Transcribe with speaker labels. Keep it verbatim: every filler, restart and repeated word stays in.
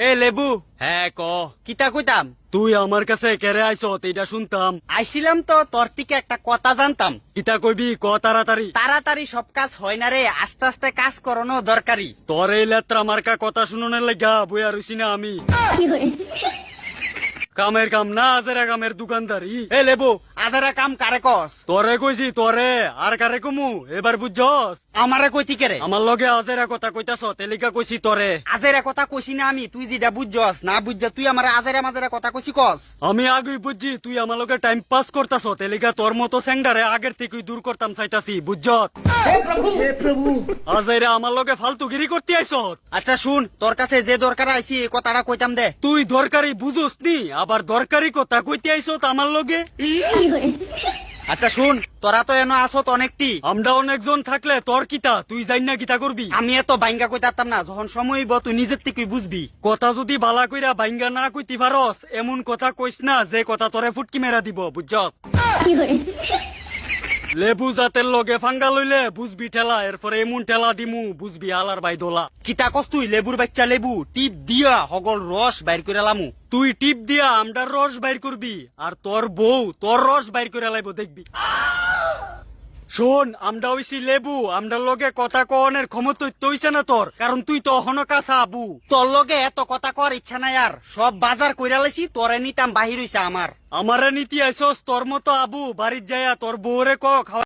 Speaker 1: এ লেবু,
Speaker 2: হ্যাঁ ক।
Speaker 1: কিতা কইতাম?
Speaker 2: তুই আমার কাছে কেড়ে আইস এটা শুনতাম।
Speaker 1: আইছিলাম তো তোর থেকে একটা কথা জানতাম।
Speaker 2: কিতা কইবি ক তাড়াতাড়ি।
Speaker 1: তাড়াতাড়ি সব কাজ হয় না রে, আস্তে আস্তে কাজ করানো দরকারি।
Speaker 2: তোর এই লেত্রা মার্কা কথা শুনোনের লাগা বইয়া রইছি না আমি। কামের কাম না আজেরা কামের দোকানদারি।
Speaker 1: এ লেবু, আধারা কাম কারে কস?
Speaker 2: তরে কইছি তরে, আর কারে কমু এবার বুঝছস?
Speaker 1: আমারে কইতি কেরে?
Speaker 2: আমার লগে আজেরা কথা কইতাছ তেলিকা কইছি তরে।
Speaker 1: আজেরা কথা কইছি না আমি, তুই যেটা বুঝছস না বুঝছ তুই আমার আজেরা মাঝেরা কথা কইছি কস।
Speaker 2: আমি আগেই বুঝছি তুই আমার লগে টাইম পাস করতাছ তেলিকা তোর মতো স্যাংডারে আগের থেকে দূর করতাম চাইতাছি বুঝছত। আজেরা আমার লগে ফালতুগিরি করতে আইছত।
Speaker 1: আচ্ছা শুন, তোর কাছে যে দরকার আইছি এই কথাটা কইতাম দে।
Speaker 2: তুই দরকারি বুঝোস নি, আবার দরকারি কথা কইতে আইছত আমার লগে।
Speaker 1: আচ্ছা শুন, তোরা তো এনো আসত অনেকটি,
Speaker 2: আমরা অনেকজন থাকলে তোর কিতা, তুই জানি না কিতা করবি।
Speaker 1: আমি এত বাইঙ্গা কইতাম না, যখন সময় হইব তুই নিজের থেকে বুঝবি।
Speaker 2: কথা যদি বালা কইরা বাইঙ্গা না কইতি পারস এমন কথা কইস না যে কথা তোরে ফুটকি মেরা দিব বুঝছস। লেবু জাতের লগে ফাঙ্গা লইলে বুঝবি ঠেলা, এরপরে এমন ঠেলা দিমু বুঝবি আলার বাই দোলা।
Speaker 1: কিতা কস তুই? লেবুর বাচ্চা লেবু টিপ দিয়া হগল রস বাইর করে লামু।
Speaker 2: তুই টিপ দিয়া আমডার রস বাইর করবি, আর তোর বউ তোর রস বাইর করে লাইব দেখবি। শোন, আমডা হইছি লেবু, আমডার লগে কথা কনের ক্ষমতা তৈছে না তোর, কারণ তুই তো অহনো কাঁচা আবু।
Speaker 1: তোর লগে এত কথা কর ইচ্ছা নাই আর, সব বাজার কইরা লাইছি, তোরে নিতাম বাহির হইছে আমার।
Speaker 2: আমারে নীতি আইসস তোর মতো আবু, বাড়ির যাইয়া তোর বউরে ক খাওয়া